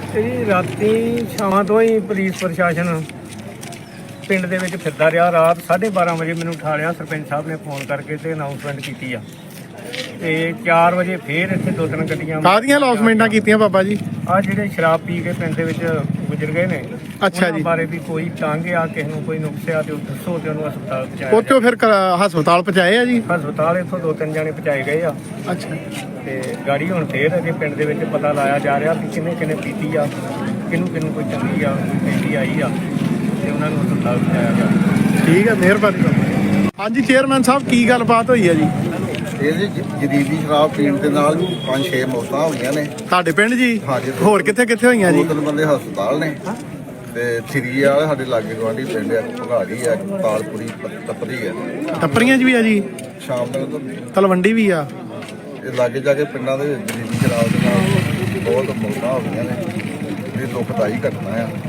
ਇਹ ਰਾਤੀ ਸ਼ਾਮਾਂ ਤੋਂ ਹੀ ਪੁਲਿਸ ਪ੍ਰਸ਼ਾਸਨ ਪਿੰਡ ਦੇ ਵਿੱਚ ਫਿਰਦਾ ਰਿਹਾ। ਰਾਤ 12:30 ਵਜੇ ਮੈਨੂੰ ਉਠਾ ਲਿਆ ਸਰਪੰਚ ਸਾਹਿਬ ਨੇ ਫੋਨ ਕਰਕੇ ਤੇ ਅਨਾਉਂਸਮੈਂਟ ਕੀਤੀ ਆ। ਤੇ 4 ਵਜੇ ਫੇਰ ਇੱਥੇ 2-3 ਗੱਡੀਆਂ ਕਾਹਦੀਆਂ ਅਨਾਉਂਸਮੈਂਟਾਂ ਕੀਤੀਆਂ ਬਾਬਾ ਜੀ? ਆ ਜਿਹੜੇ ਸ਼ਰਾਬ ਪੀ ਕੇ ਪਿੰਡ ਦੇ ਵਿੱਚ ਗੁਜ਼ਰ ਗਏ ਨੇ, ਅੱਛਾ ਉਹਨਾਂ ਜੀ। ਬਾਰੇ ਵੀ ਕੋਈ ਤੰਗ ਆ, ਕਿਸੇ ਨੂੰ ਕੋਈ ਨੁਕਸ ਆ ਤੇ ਉਹ ਦੱਸੋ ਤੇ ਉਹਨੂੰ ਹਸਪਤਾਲ ਪਹੁੰਚਾਇਆ ਉੱਥੋਂ ਫਿਰ ਹਸਪਤਾਲ ਪਹੁੰਚਾਏ ਆ ਜੀ? ਹਸਪਤਾਲ ਇੱਥੋਂ 2-3 ਜਾਣੇ ਪਹੁੰਚਾਏ ਗਏ ਆ। ਅੱਛਾ। ਤੇ ਗਾੜੀ ਹੁਣ ਫੇਰ ਅਜੇ ਪਿੰਡ ਦੇ ਵਿੱਚ ਪਤਾ ਲਾਇਆ ਜਾ ਰਿਹਾ ਕਿ ਕਿਹਨੇ ਕਿਹਨੇ ਪੀਤੀ ਆ, ਕਿਹਨੂੰ ਕੋਈ ਚੰਗੀ ਆ, ਕੋਈ ਪੈਂਦੀ ਆਈ ਆ, ਤੇ ਉਹਨਾਂ ਨੂੰ ਹਸਪਤਾਲ ਪਹੁੰਚਾਇਆ ਗਿਆ। ਠੀਕ ਹੈ, ਮਿਹਰਬਾਨੀ ਬਾਬਾ। ਹਾਂਜੀ ਚੇਅਰਮੈਨ ਸਾਹਿਬ, ਕੀ ਗੱਲਬਾਤ ਹੋਈ ਹੈ ਜੀ? ਇਹਦੇ ਜਦੀਦੀ ਸ਼ਰਾਬ ਪੀਣ ਦੇ ਨਾਲ 5-6 ਮੌਤਾਂ ਹੋਈਆਂ ਨੇ ਤੁਹਾਡੇ ਪਿੰਡ ਜੀ? ਹਾਂਜੀ। ਹੋਰ ਕਿੱਥੇ ਕਿੱਥੇ ਹੋਈਆਂ ਜੀ? 2-3 ਬੰਦੇ ਹਸਪਤਾਲ ਨੇ ਤੇ ਥਰੀ ਵਾਲੇ ਸਾਡੇ ਲਾਗੇ ਗਵਾਂਢੀ ਪਿੰਡ ਆ, ਭਗਾੜੀ ਆ, ਤਾਲਪੁਰੀ, ਤਪਰੀ ਆ, ਟੱਪਰੀਆਂ 'ਚ ਵੀ ਆ ਜੀ? ਸ਼ਾਮ ਤੱਕ ਤਲਵੰਡੀ ਵੀ ਆ? ਇਹ ਲਾਗੇ ਜਾ ਕੇ ਪਿੰਡਾਂ ਦੇ ਵਿੱਚ ਜਦੀਦੀ ਸ਼ਰਾਬ ਦੇ ਨਾਲ ਬਹੁਤ ਮੌਤਾਂ ਹੋ ਗਈਆਂ ਨੇ। ਇਹ ਦੁਖਦਾਈ ਘਟਨਾ ਆ।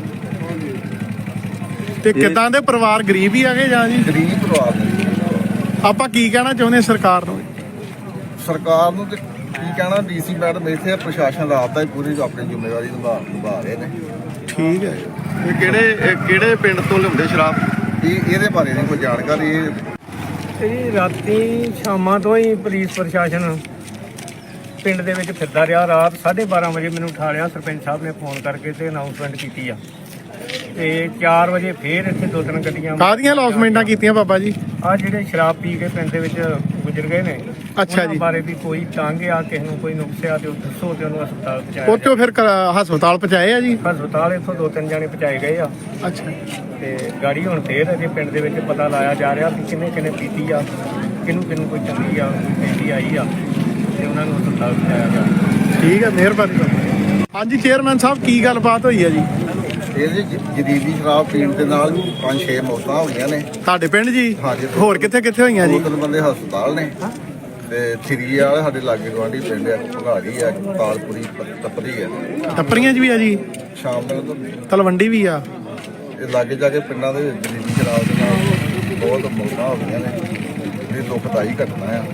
ਤੇ ਕਿੱਦਾਂ ਦੇ ਪਰਿਵਾਰ ਗਰੀਬ ਹੀ ਆਗੇ ਜਾਂ ਜੀ? ਗਰੀਬ ਪਰਿਵਾਰ ਨੇ। ਆਪਾਂ ਕੀ ਕਹਿਣਾ ਚਾਹੁੰਦੇ ਸਰਕਾਰ ਨੂੰ? ਸਰਕਾਰ ਨੂੰ ਤੇ ਕੀ ਕਹਿਣਾ, ਡੀਸੀ ਮੈਡਮ ਇੱਥੇ ਪ੍ਰਸ਼ਾਸਨ ਰਾਤ ਦਾ ਹੀ ਪੂਰੀ ਆਪਣੀ ਜ਼ਿੰਮੇਵਾਰੀ ਨਿਭਾ ਰਹੇ ਨੇ। ਠੀਕ ਹੈ। ਇਹ ਕਿਹੜੇ ਪਿੰਡ ਤੋਂ ਲਿਆਉਂਦੇ ਸ਼ਰਾਬ? ਇਹਦੇ ਬਾਰੇ ਨਹੀਂ ਕੋਈ ਜਾਣਕਾਰੀ। ਇਹ ਰਾਤੀ ਸ਼ਾਮਾਂ ਤੋਂ ਹੀ ਪੁਲਿਸ ਪ੍ਰਸ਼ਾਸਨ ਪਿੰਡ ਦੇ ਵਿੱਚ ਫਿਰਦਾ ਰਿਹਾ। ਰਾਤ 12:30 ਵਜੇ ਮੈਨੂੰ ਉਠਾ ਲਿਆ ਸਰਪੰਚ ਸਾਹਿਬ ਨੇ ਫੋਨ ਕਰਕੇ ਤੇ ਅਨਾਉਂਸਮੈਂਟ ਕੀਤੀ ਆ। ਤੇ 4 ਵਜੇ ਫੇਰ ਇੱਥੇ 2-3 ਗੱਡੀਆਂ ਕਾਹਦੀਆਂ ਅਨਾਉਂਸਮੈਂਟਾਂ ਕੀਤੀਆਂ ਬਾਬਾ ਜੀ? ਆ ਜਿਹੜੇ ਸ਼ਰਾਬ ਪੀ ਕੇ ਪਿੰਡ ਦੇ ਵਿੱਚ ਗੁਜ਼ਰ ਗਏ ਨੇ, ਅੱਛਾ ਉਹਨਾਂ ਜੀ। ਬਾਰੇ ਵੀ ਕੋਈ ਤੰਗ ਆ, ਕਿਸੇ ਨੂੰ ਕੋਈ ਨੁਕਸ ਆ ਤੇ ਉਹ ਦੱਸੋ ਤੇ ਉਹਨੂੰ ਹਸਪਤਾਲ ਪਹੁੰਚਾਇਆ ਉੱਥੋਂ ਫਿਰ ਹਸਪਤਾਲ ਪਹੁੰਚਾਏ ਆ ਜੀ? ਗਿਆ। ਹਸਪਤਾਲ ਇੱਥੋਂ 2-3 ਜਾਣੇ ਪਹੁੰਚਾਏ ਗਏ ਆ। ਅੱਛਾ। ਤੇ ਗਾੜੀ ਹੁਣ ਫੇਰ ਅਜੇ ਪਿੰਡ ਦੇ ਵਿੱਚ ਪਤਾ ਲਾਇਆ ਜਾ ਰਿਹਾ ਕਿ ਕਿਹਨੇ ਕਿਹਨੇ ਪੀਤੀ ਆ, ਕਿਹਨੂੰ ਕੋਈ ਚੰਗੀ ਆ, ਕੋਈ ਪੈਂਦੀ ਆਈ ਆ, ਤੇ ਉਹਨਾਂ ਨੂੰ ਹਸਪਤਾਲ ਪਹੁੰਚਾਇਆ ਗਿਆ। ਠੀਕ ਹੈ, ਮਿਹਰਬਾਨੀ ਬਾਬਾ। ਹਾਂਜੀ ਚੇਅਰਮੈਨ ਸਾਹਿਬ, ਕੀ ਗੱਲਬਾਤ ਹੋਈ ਹੈ ਜੀ? ਇਹਦੇ ਜਦੀਦੀ ਸ਼ਰਾਬ ਪੀਣ ਦੇ ਨਾਲ 5-6 ਮੌਤਾਂ ਹੋਈਆਂ ਨੇ। ਤੁਹਾਡੇ ਪਿੰਡ ਜੀ? ਹਾਂਜੀ। ਹੋਰ ਕਿੱਥੇ ਕਿੱਥੇ ਹੋਈਆਂ ਜੀ? 2-3 ਬੰਦੇ ਹਸਪਤਾਲ ਨੇ ਤੇ ਥਰੀ ਵਾਲੇ ਸਾਡੇ ਲਾਗੇ ਗਵਾਂਢੀ ਪਿੰਡ ਆ, ਭਗਾੜੀ ਆ, ਤਾਲਪੁਰੀ, ਤਪਰੀ ਆ, ਟੱਪਰੀਆਂ 'ਚ ਵੀ ਆ ਜੀ? ਸ਼ਾਮ ਤੱਕ ਤਲਵੰਡੀ ਵੀ ਆ? ਇਹ ਲਾਗੇ ਜਾ ਕੇ ਪਿੰਡਾਂ ਦੇ ਵਿੱਚ ਜਦੀਦੀ ਸ਼ਰਾਬ ਦੇ ਨਾਲ ਬਹੁਤ ਮੌਤਾਂ ਹੋ ਗਈਆਂ ਨੇ। ਇਹ ਦੁਖਦਾਈ ਘਟਨਾ ਆ।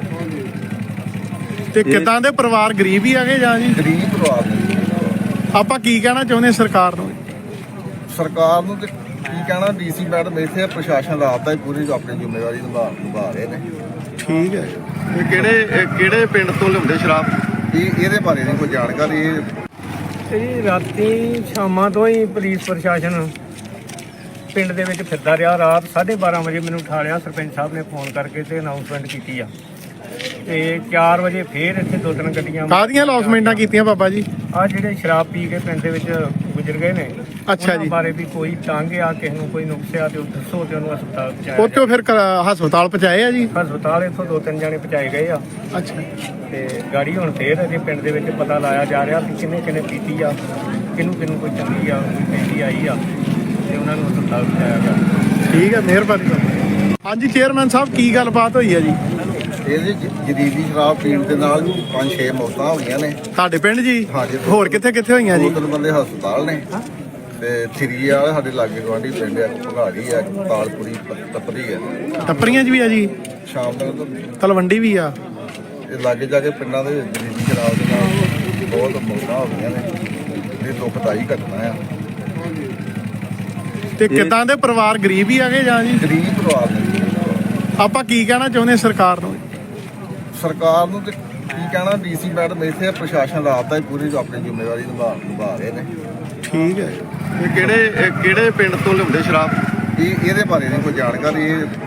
ਤੇ ਕਿੱਦਾਂ ਦੇ ਪਰਿਵਾਰ ਗਰੀਬ ਹੀ ਆਗੇ ਜਾਂ ਜੀ? ਗਰੀਬ ਪਰਿਵਾਰ ਨੇ। ਆਪਾਂ ਕੀ ਕਹਿਣਾ ਚਾਹੁੰਦੇ ਸਰਕਾਰ ਨੂੰ? ਸਰਕਾਰ ਨੂੰ ਤੇ ਕੀ ਕਹਿਣਾ, ਡੀਸੀ ਮੈਡਮ ਇੱਥੇ ਪ੍ਰਸ਼ਾਸਨ ਰਾਤ ਦਾ ਹੀ ਪੂਰੀ ਆਪਣੀ ਜ਼ਿੰਮੇਵਾਰੀ ਨਿਭਾ ਰਹੇ ਨੇ। ਠੀਕ ਹੈ। ਇਹ ਕਿਹੜੇ ਪਿੰਡ ਤੋਂ ਲਿਆਉਂਦੇ ਸ਼ਰਾਬ? ਇਹਦੇ ਬਾਰੇ ਨਹੀਂ ਕੋਈ ਜਾਣਕਾਰੀ। ਇਹ ਰਾਤੀ ਸ਼ਾਮਾਂ ਤੋਂ ਹੀ ਪੁਲਿਸ ਪ੍ਰਸ਼ਾਸਨ ਪਿੰਡ ਦੇ ਵਿੱਚ ਫਿਰਦਾ ਰਿਹਾ। ਰਾਤ 12:30 ਵਜੇ ਮੈਨੂੰ ਉਠਾ ਲਿਆ ਸਰਪੰਚ ਸਾਹਿਬ ਨੇ ਫੋਨ ਕਰਕੇ ਤੇ ਅਨਾਉਂਸਮੈਂਟ ਕੀਤੀ ਆ। ਤੇ 4 ਵਜੇ ਫੇਰ ਇੱਥੇ 2-3 ਗੱਡੀਆਂ ਕਾਹਦੀਆਂ ਅਨਾਉਂਸਮੈਂਟਾਂ ਕੀਤੀਆਂ ਬਾਬਾ ਜੀ? ਆ ਜਿਹੜੇ ਸ਼ਰਾਬ ਪੀ ਕੇ ਪਿੰਡ ਦੇ ਵਿੱਚ ਗੁਜ਼ਰ ਗਏ ਨੇ, ਅੱਛਾ ਉਹਨਾਂ ਜੀ। ਬਾਰੇ ਵੀ ਕੋਈ ਤੰਗ ਆ, ਕਿਸੇ ਨੂੰ ਕੋਈ ਨੁਕਸ ਆ ਤੇ ਉਹ ਦੱਸੋ ਤੇ ਉਹਨੂੰ ਹਸਪਤਾਲ ਪਹੁੰਚਾਇਆ ਉੱਥੋਂ ਫਿਰ ਹਸਪਤਾਲ ਪਹੁੰਚਾਏ ਆ ਜੀ? ਗਿਆ। ਹਸਪਤਾਲ ਇੱਥੋਂ 2-3 ਜਾਣੇ ਪਹੁੰਚਾਏ ਗਏ ਆ। ਅੱਛਾ। ਤੇ ਗਾੜੀ ਹੁਣ ਫੇਰ ਅਜੇ ਪਿੰਡ ਦੇ ਵਿੱਚ ਪਤਾ ਲਾਇਆ ਜਾ ਰਿਹਾ ਕਿ ਕਿਹਨੇ ਕਿਹਨੇ ਪੀਤੀ ਆ, ਕਿਹਨੂੰ ਕੋਈ ਚੰਗੀ ਆ, ਕੋਈ ਪੈਂਦੀ ਆਈ ਆ, ਤੇ ਉਹਨਾਂ ਨੂੰ ਹਸਪਤਾਲ ਪਹੁੰਚਾਇਆ ਗਿਆ। ਠੀਕ ਹੈ, ਮਿਹਰਬਾਨੀ ਬਾਬਾ। ਹਾਂਜੀ ਚੇਅਰਮੈਨ ਸਾਹਿਬ, ਕੀ ਗੱਲਬਾਤ ਹੋਈ ਹੈ ਜੀ? ਇਹਦੇ ਜਦੀਦੀ ਸ਼ਰਾਬ ਪੀਣ ਦੇ ਨਾਲ 5-6 ਮੌਤਾਂ ਹੋਈਆਂ ਨੇ। ਤੁਹਾਡੇ ਪਿੰਡ ਜੀ? ਹਾਂਜੀ। ਹੋਰ ਕਿੱਥੇ ਕਿੱਥੇ ਹੋਈਆਂ ਜੀ? 2-3 ਬੰਦੇ ਹਸਪਤਾਲ ਨੇ ਤੇ ਥਰੀ ਵਾਲੇ ਸਾਡੇ ਲਾਗੇ ਗਵਾਂਢੀ ਪਿੰਡ ਆ, ਭਗਾੜੀ ਆ, ਤਾਲਪੁਰੀ, ਤਪਰੀ ਆ, ਟੱਪਰੀਆਂ 'ਚ ਵੀ ਆ ਜੀ? ਸ਼ਾਮ ਤੱਕ ਤਲਵੰਡੀ ਵੀ ਆ? ਇਹ ਲਾਗੇ ਜਾ ਕੇ ਪਿੰਡਾਂ ਦੇ ਵਿੱਚ ਜਦੀਦੀ ਸ਼ਰਾਬ ਦੇ ਨਾਲ ਬਹੁਤ ਮੌਤਾਂ ਹੋ ਗਈਆਂ ਨੇ। ਇਹ ਦੁਖਦਾਈ ਘਟਨਾ ਆ। ਤੇ ਕਿੱਦਾਂ ਦੇ ਪਰਿਵਾਰ ਗਰੀਬ ਹੀ ਆਗੇ ਜਾਂ ਜੀ? ਗਰੀਬ ਪਰਿਵਾਰ ਨੇ। ਆਪਾਂ ਕੀ ਕਹਿਣਾ ਚਾਹੁੰਦੇ ਸਰਕਾਰ ਨੂੰ? ਸਰਕਾਰ ਨੂੰ ਤੇ ਕੀ ਕਹਿਣਾ, ਡੀਸੀ ਮੈਡਮ ਇੱਥੇ ਪ੍ਰਸ਼ਾਸਨ ਰਾਤ ਦਾ ਹੀ ਪੂਰੀ ਆਪਣੀ ਜ਼ਿੰਮੇਵਾਰੀ ਨਿਭਾ ਰਹੇ ਨੇ। ਠੀਕ ਹੈ। ਇਹ ਕਿਹੜੇ ਪਿੰਡ ਤੋਂ ਲਿਆਉਂਦੇ ਸ਼ਰਾਬ? ਇਹਦੇ ਬਾਰੇ ਨਹੀਂ ਕੋਈ ਜਾਣਕਾਰੀ।